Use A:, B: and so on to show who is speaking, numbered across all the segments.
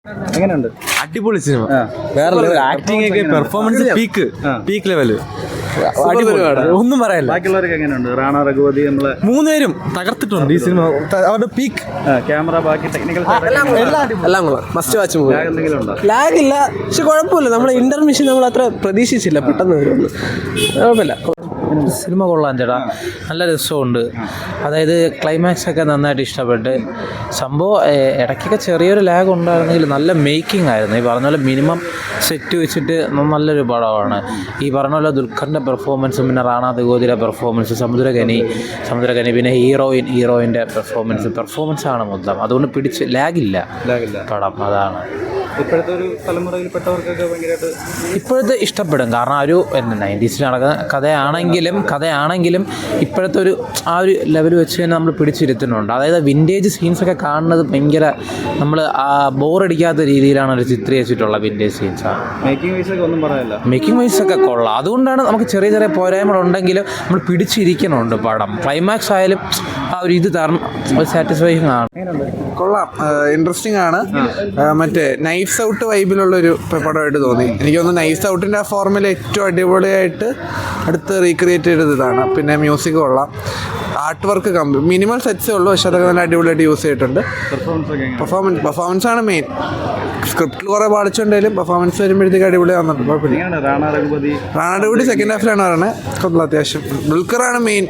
A: എങ്ങനെയുണ്ട്?
B: അടിപൊളി സിനിമ. വേറെ ആക്ടിംഗ് ഒക്കെ പെർഫോമൻസ് പീക്ക് ലെവല്. ഒന്നും പറയാനില്ല.
A: ബാക്കിയുള്ളവർക്ക് എങ്ങനെയുണ്ട്? റാണ രഘുപതി നമ്മള്
B: മൂന്നുപേരും തകർത്തിട്ടുണ്ട് ഈ സിനിമ. അവരുടെ പീക്ക്
A: ക്യാമറ, ബാക്കി ടെക്നിക്കൽ
C: എല്ലാം മസ്റ്റ് വാച്ച് മൂവി.
A: എന്തെങ്കിലും ഉണ്ടോ?
C: ലാഗ് ഇല്ല, പക്ഷെ കുഴപ്പമില്ല. നമ്മൾ ഇന്റർമിഷൻ നമ്മൾ അത്ര പ്രതീക്ഷിച്ചില്ല, പെട്ടെന്ന് വരുമെന്ന്. കുഴപ്പമില്ല.
D: സിനിമ കൊള്ളാൻ ചേട്ടാ, നല്ല രസമുണ്ട്. അതായത് ക്ലൈമാക്സ് ഒക്കെ നന്നായിട്ട് ഇഷ്ടപ്പെട്ട്. സംഭവം ഇടയ്ക്കൊക്കെ ചെറിയൊരു ലാഗ് ഉണ്ടായിരുന്നെങ്കിൽ നല്ല മേക്കിംഗ് ആയിരുന്നു. ഈ പറഞ്ഞ പോലെ മിനിമം സെറ്റ് വെച്ചിട്ട് നല്ലൊരു പടമാണ്. ഈ പറഞ്ഞ പോലെ ദുൽഖറിൻ്റെ പെർഫോമൻസും പിന്നെ റാണ രഘുപതിയുടെ പെർഫോമൻസ്, സമുദ്രഖനി പിന്നെ ഹീറോയിൻ്റെ പെർഫോമൻസാണ് മൊത്തം. അതുകൊണ്ട് പിടിച്ച് ലാഗില്ല പടം. അതാണ്
A: ഇപ്പോഴത്തെ ഒരു തലമുറയിൽപ്പെട്ടവർക്കൊക്കെ ഭയങ്കരമായിട്ട്
D: ഇപ്പോഴത്തെ ഇഷ്ടപ്പെടും. കാരണം ആ ഒരു 90s നടക്കുന്ന കഥയാണെങ്കിലും ഇപ്പോഴത്തെ ആ ഒരു ലെവൽ വെച്ച് തന്നെ നമ്മൾ പിടിച്ചിരുത്തുന്നുണ്ട്. അതായത് വിൻറ്റേജ് സീൻസൊക്കെ കാണുന്നത് ഭയങ്കര നമ്മൾ ബോറടിക്കാത്ത രീതിയിലാണ് ഒരു ചിത്രീകരിച്ചിട്ടുള്ള വിൻറ്റേജ് സീൻസാണ്. മേക്കിംഗ് വൈസ് ഒക്കെ കൊള്ളാം. അതുകൊണ്ടാണ് നമുക്ക് ചെറിയ ചെറിയ പോരായ്മകളുണ്ടെങ്കിലും നമ്മൾ പിടിച്ചിരിക്കുന്നുണ്ട് പടം. ക്ലൈമാക്സ് ആയാലും ആ ഒരു ഇത് സാറ്റിസ്ഫൈങ് ആണ്.
C: കൊള്ളാം, ഇൻട്രസ്റ്റിംഗ് ആണ്. മറ്റേ നൈഫ്സ് ഔട്ട് വൈബിലുള്ളൊരു പടമായിട്ട് തോന്നി. എനിക്ക് തോന്നുന്നു നൈഫ്സ് ഔട്ടിൻ്റെ ആ ഫോർമുല ഏറ്റവും അടിപൊളിയായിട്ട് അടുത്ത് റീക്രിയേറ്റ് ചെയ്തത് ഇതാണ്. പിന്നെ മ്യൂസിക് കൊള്ളാം, ആർട്ട് വർക്ക് മിനിമൽ സെറ്റ്സേ ഉള്ളൂ, പക്ഷെ അതൊക്കെ നല്ല അടിപൊളിയായിട്ട് യൂസ് ചെയ്തിട്ടുണ്ട്. പെർഫോമൻസ് ആണ് മെയിൻ. സ്ക്രിപ്റ്റിൽ കുറേ പാടിച്ചുണ്ടെങ്കിലും പെർഫോമൻസ് വരുമ്പോഴത്തേക്ക് അടിപൊളി വന്നിട്ടുണ്ട്. കുഴപ്പമില്ല. റാണ രഘുപതി സെക്കൻഡ് ഹാഫിലാണ് പറയുന്നത്. കൊള്ളാം, അത്യാവശ്യം. ദുൽഖറാണ് മെയിൻ.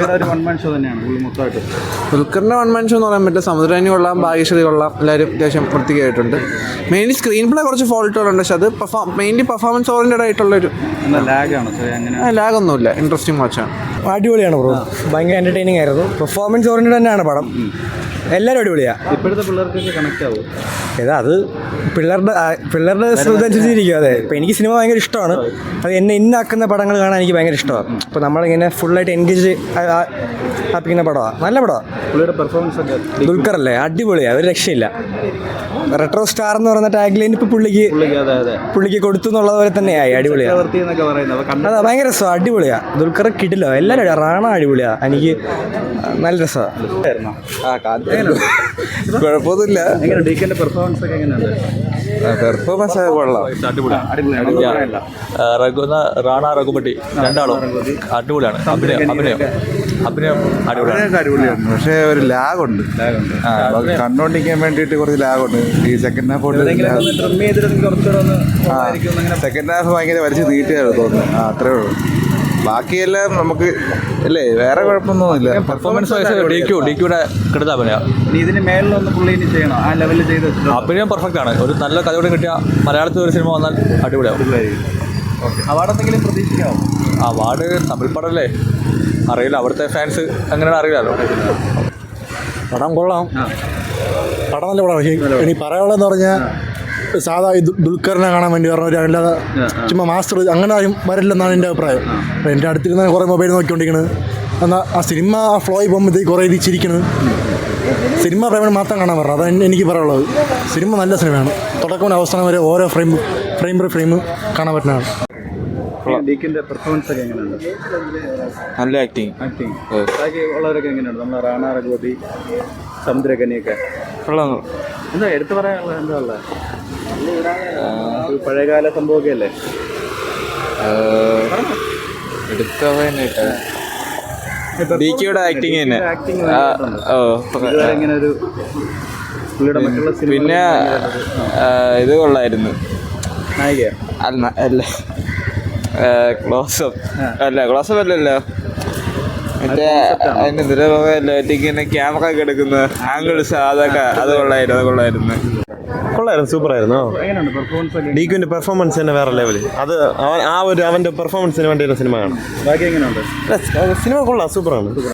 C: ദുൽഖറിൻ്റെ വൺ മാൻ ഷോ എന്ന് പറയാൻ പറ്റില്ല. സമുദ്രനി കൊള്ളാം, ഭാഗ്യശ്രീ കൊള്ളാം, എല്ലാവരും അത്യാവശ്യം വൃത്തിയായിട്ടുണ്ട്. മെയിൻലി സ്ക്രീൻ പ്ലേ കുറച്ച് ഫോൾട്ടുകളുണ്ട്, പക്ഷെ അത് മെയിൻലി പെർഫോമൻസ് ഓറിയൻറ്റഡ് ആയിട്ടുള്ളൊരു ലാഗൊന്നുമില്ല. ഇൻട്രസ്റ്റിംഗ് വാച്ചാണ്.
E: അടിപൊളിയാണ് ബ്രോ, ഭയങ്കര എൻ്റർടൈനിങ് ആയിരുന്നു. പെർഫോമൻസ് ഓറിയൻറ്റഡ് തന്നെയാണ് പടം. എല്ലാവരും അടിപൊളിയാണ്.
A: ഇപ്പോഴത്തെ പിള്ളേർക്കൊക്കെ കണക്ട് ആവും.
E: അത് പിള്ളേരുടെ ശ്രദ്ധ അനുസരിച്ചിരിക്കും. അതെ, ഇപ്പോൾ എനിക്ക് സിനിമ ഭയങ്കര ഇഷ്ടമാണ്. അത് എന്നെ ഇന്നാക്കുന്ന പടങ്ങൾ കാണാൻ എനിക്ക് ഭയങ്കര ഇഷ്ടമാണ്. അപ്പോൾ നമ്മളിങ്ങനെ ഫുള്ളായിട്ട് എൻഗേജ് ആപ്പിക്കുന്ന പടമാണ്. നല്ല പടമാണ്.
A: പുള്ളിയുടെ പെർഫോമൻസ് ഒക്കെ
E: ദുൽഖറല്ലേ, അടിപൊളിയാണ്, ഒരു രക്ഷയില്ല. റെട്രോ സ്റ്റാർ എന്ന് പറയുന്ന ടാഗ് ലൈൻ ഇപ്പോൾ പുള്ളിക്ക് കൊടുത്തു എന്നുള്ളത് പോലെ തന്നെയായി. അടിപൊളിയാണ്. അതാ ഭയങ്കര രസമാണ്, അടിപൊളിയാണ്. ദുൽഖർ കിട്ടില്ല, എല്ലാവരും റാണ അടിപൊളിയാണ്. എനിക്ക് നല്ല രസമാണ്.
C: കുഴപ്പമൊന്നുമില്ല.
B: പെർഫോമൻസ് കൊള്ളാം, റാണ രഘുപതി രണ്ടാളും അടിപൊളിയാണ്. അഭിനയം അടിപൊളിയാണ്.
F: പക്ഷേ ഒരു ലാഗുണ്ട്. കണ്ടോണ്ടിരിക്കാൻ വേണ്ടിയിട്ട് കുറച്ച് ലാഗുണ്ട്. ഈ സെക്കൻഡ് ഹാഫ് സെക്കൻഡ് ഹാഫ് ഭയങ്കര വലിച്ച് നീട്ടിയായിരുന്നു തോന്നുന്നു. അത്രേ ഉള്ളൂ. ബാക്കിയെല്ലാം നമുക്ക് അല്ലേ, വേറെ കുഴപ്പമൊന്നുമില്ല.
B: പെർഫോമൻസ് ഡിക്യൂടെ കിടന്ന
A: ഇതിന് മേളിലൊന്ന് പുള്ളി ചെയ്യണം, ആ ലെവലിൽ ചെയ്ത്
B: അഭിനയം പെർഫെക്റ്റ് ആണ്. ഒരു നല്ല കഥയോടെ കിട്ടിയ മലയാളത്തിൽ ഒരു സിനിമ വന്നാൽ അടിപൊളിയാവും.
A: അവാർഡ് എന്തെങ്കിലും പ്രതീക്ഷിക്കാമോ?
B: അവാർഡ് തമിഴ് പടമല്ലേ, അറിയില്ല. അവിടുത്തെ ഫാൻസ് അങ്ങനെയാണ്, അറിയില്ലല്ലോ.
E: പടം കൊള്ളാം, പടം നല്ല പടം. പക്ഷേ ഇനി പറയാനുള്ളതെന്ന് പറഞ്ഞാൽ സാധാ ഈ ദുൽഖറിനെ കാണാൻ വേണ്ടി പറഞ്ഞ അല്ലാതെ ചുമ്മാ മാസ്റ്റർ അങ്ങനെ ആരും വരില്ലെന്നാണ് എൻ്റെ അഭിപ്രായം. അപ്പോൾ എൻ്റെ അടുത്തിരുന്ന കുറേ മൊബൈൽ നോക്കിക്കൊണ്ടിരിക്കുന്നത്. എന്നാൽ ആ സിനിമ ആ ഫ്ലോയിൽ പോകുമ്പോഴത്തേക്ക് കുറേ ചിരിക്കുന്നത്. സിനിമ പ്രേമം മാത്രം കാണാൻ പറഞ്ഞത്, അതാണ് എനിക്ക് പറയാനുള്ളത്. സിനിമ നല്ല സിനിമയാണ്. തുടക്കം അവസാനം വരെ ഓരോ ഫ്രെയിം കാണാൻ പറ്റുന്നതാണ്.
A: പെർഫോമൻസ് ഒക്കെ എങ്ങനെയുണ്ട്?
B: നല്ല ആക്ടിങ്.
A: ബാക്കി ഉള്ളവരൊക്കെ എങ്ങനെയുണ്ട്? നമ്മളെ റാണ രഘുപതി, സമുദ്രഖനിയൊക്കെ എന്താ എടുത്തു പറയാനുള്ളത്? എന്താ ഉള്ളത്? പഴയകാല സംഭവമൊക്കെ അല്ലേ
B: ഡിക്യൂടെ ആക്ടിങ് തന്നെ.
A: ഇങ്ങനെ ഒരു പുള്ളിയുടെ മറ്റുള്ള
B: പിന്നെ ഇത് കൊള്ളായിരുന്നു.
A: നായിക
B: അല്ല ക്ലോസപ്പ് അല്ലല്ലോ, മറ്റേ അതിന് ഇങ്ങനെ ക്യാമറ ഒക്കെ എടുക്കുന്ന ആംഗിൾസ്, അതൊക്കെ അത് കൊള്ളായിരുന്നു.
G: സൂപ്പറായിരുന്നു. ഡിക്യുവിന്റെ പെർഫോമൻസ് തന്നെ വേറെ ലെവല്. അത് അവന്റെ പെർഫോമൻസിന് വേണ്ടിയുള്ള സിനിമ കാണാം.
A: ബാക്കി എങ്ങനെയുണ്ട്?
G: സിനിമ കൊള്ളാം, സൂപ്പറാണ്.